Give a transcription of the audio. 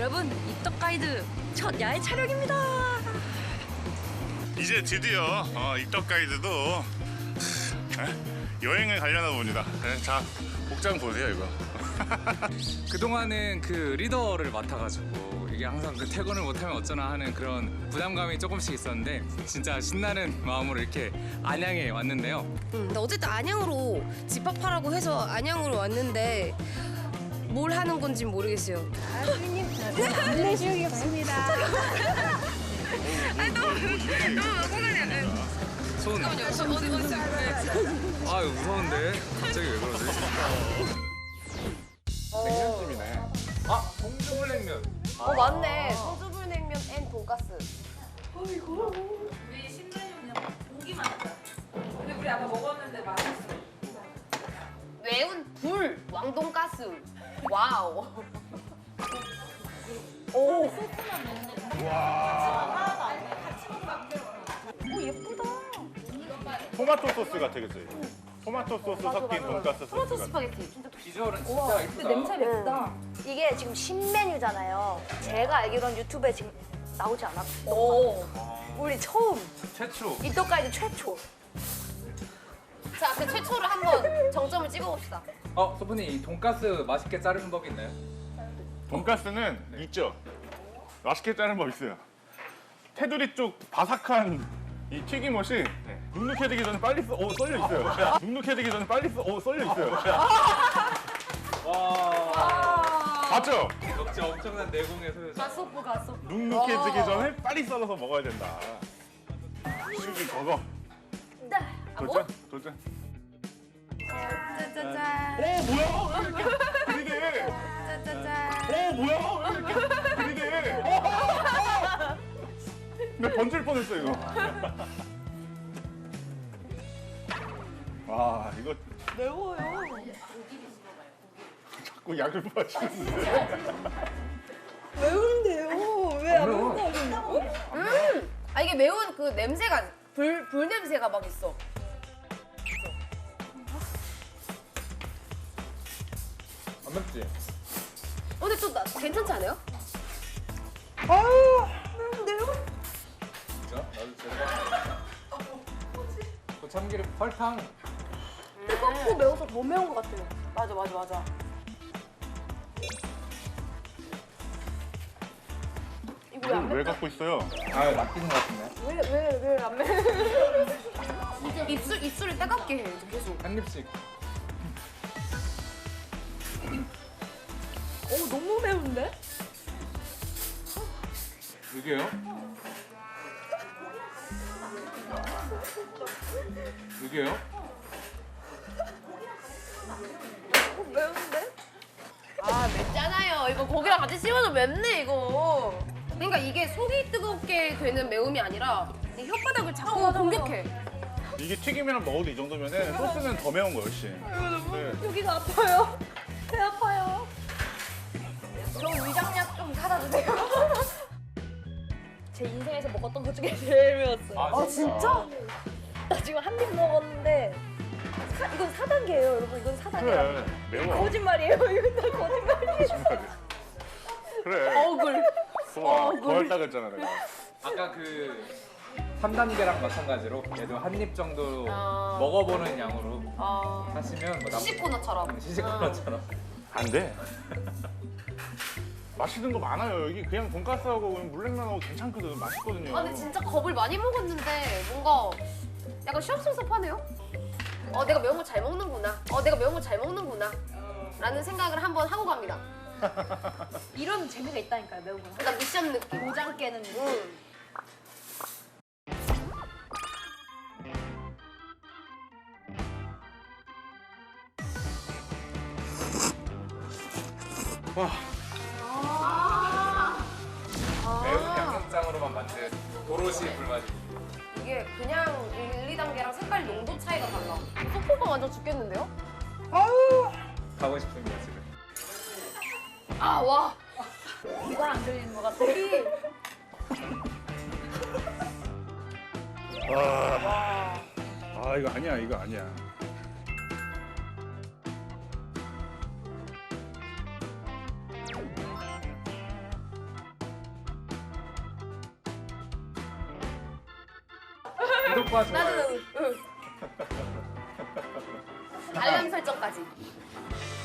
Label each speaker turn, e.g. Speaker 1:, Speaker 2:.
Speaker 1: 여러분, 입덕 가이드 첫 야외 촬영입니다.
Speaker 2: 이제 드디어 입덕 가이드도 여행을 가려나 봅니다. 자, 복장 보세요 이거.
Speaker 3: 그동안은 그 리더를 맡아가지고 이게 항상 그 퇴근을 못하면 어쩌나 하는 그런 부담감이 조금씩 있었는데 진짜 신나는 마음으로 이렇게 안양에 왔는데요.
Speaker 1: 근데 어쨌든 안양으로 집합하라고 해서 안양으로 왔는데 뭘 하는 건지 모르겠어요.
Speaker 3: 손. 아 무서운데 갑자기 왜 그러지? 냉면집이네. 아 동주물냉면.
Speaker 1: 맞네. 소주불냉면 앤 돈가스.
Speaker 4: 우리 신메뉴는 고기만 있다. 근데 우리 아까 먹었는데 맛있어.
Speaker 1: 매운 불 왕돈가스. 와우.
Speaker 2: 토마토 소스 같아, 그치? 토마토 소스 섞인 돈가스
Speaker 1: 토마토
Speaker 2: 소스 같아.
Speaker 1: 스파게티. 진짜
Speaker 3: 비주얼은 진짜 이쁘다.
Speaker 4: 맵다.
Speaker 5: 이게 지금 신메뉴잖아요. 제가 알기로는 유튜브에 지금 나오지 않았고
Speaker 1: 오.
Speaker 5: 우리 처음
Speaker 3: 최초.
Speaker 5: 입덕 가이드 최초.
Speaker 1: 자, 그 최초를 한번 정점을 찍어봅시다.
Speaker 3: 소분이 이 돈가스 맛있게 자르는 법 있나요?
Speaker 2: 돈가스는 있죠. 맛있게 자르는 법 있어요. 테두리 쪽 바삭한 이 튀김옷이 눅눅해지기 전에 빨리 썰려 있어요. 눅눅해지기 전에 빨리 썰려 있어요.
Speaker 3: 와.
Speaker 2: 맞죠?
Speaker 3: 역시 엄청난 내공의 소유자.
Speaker 5: 가소프 가소.
Speaker 2: 눅눅해지기 전에 빨리 썰어서 먹어야 된다. 슈기 저거.
Speaker 5: 네.
Speaker 2: 도전? 도전.
Speaker 1: 짜자잔.
Speaker 2: 뭐야? 왜 이렇게 들이대?
Speaker 1: 짜자잔.
Speaker 2: 뭐야? 왜 이렇게 들이대? 나 번질 뻔했어 이거. 와 이거
Speaker 5: 매워요.
Speaker 2: 자꾸 약을 마시는데.
Speaker 5: 매운데요. 왜 안
Speaker 3: 매워.
Speaker 5: 먹는다고?
Speaker 1: 아, 이게 매운 그 냄새가 불 냄새가 막 있어.
Speaker 3: 안 맵지?
Speaker 1: 근데 또 괜찮지 않아요?
Speaker 5: 매운데요?
Speaker 3: 진짜? 나도 제가. 그 참기름 설탕.
Speaker 5: 뜨겁고 매워서 더 매운 것 같아요. 맞아. 이거 왜 안
Speaker 2: 왜
Speaker 5: 맵다?
Speaker 2: 갖고 있어요?
Speaker 3: 아 낚이는 것 같은데.
Speaker 5: 왜 안 매?
Speaker 1: 입술을 따갑게 해, 계속.
Speaker 3: 한 입씩.
Speaker 5: 너무 매운데?
Speaker 3: 이게요? 이게요?
Speaker 5: 매운데?
Speaker 1: 아, 맵잖아요. 이거 고기랑 같이 씹어도 맵네, 이거. 그러니까 이게 속이 뜨겁게 되는 매움이 아니라 이 혓바닥을 자꾸 공격해.
Speaker 2: 이게 튀김이랑 먹어도 이 정도면은 소스는 더 매운 거 훨씬. 네.
Speaker 5: 여기가 아파요. 배 아파요. 저 위장약 좀 사다 주세요. 제 인생에서 먹었던 것 중에 제일 매웠어요.
Speaker 3: 아, 진짜?
Speaker 5: 나 지금 한 입 먹었는데 이건 4단계예요, 여러분. 이건 4단계.
Speaker 2: 그래 매워.
Speaker 5: 거짓말이에요. 이건 다 거짓말이에요.
Speaker 2: 그래.
Speaker 1: 억울.
Speaker 2: 더할다 그랬잖아 내가.
Speaker 3: 아까 그 3단계랑 마찬가지로 얘도 한 입 정도
Speaker 1: 아.
Speaker 3: 먹어보는 양으로
Speaker 1: 아,
Speaker 3: 하시면 뭐
Speaker 1: 시식코너처럼.
Speaker 3: 시식코너처럼.
Speaker 2: 안 돼. 맛있는 거 많아요. 여기 그냥 돈가스하고 그냥 물냉면하고 괜찮거든. 맛있거든요.
Speaker 1: 아, 근데 진짜 겁을 많이 먹었는데 뭔가 약간 시원섭섭하네요. 내가 매운 걸 잘 먹는구나. 내가 매운 걸 잘 먹는구나. 라는 생각을 한번 하고 갑니다.
Speaker 5: 이런 재미가 있다니까요, 매운 거.
Speaker 1: 그러니까 미션 느낌.
Speaker 5: 도장 깨는 느낌.
Speaker 3: 매운 양념장으로만 만든 도로시 불맛이.
Speaker 1: 이게 그냥 1, 2단계랑 색깔 용도 차이가 달라. 소포가 완전 죽겠는데요?
Speaker 3: 가고 싶습니다 지금.
Speaker 1: 아, 와.
Speaker 5: 이건 안 들리는 것 같아.
Speaker 2: 아 이거 아니야 이거 아니야. 구독과 좋아요.
Speaker 1: 나도 알람 설정까지.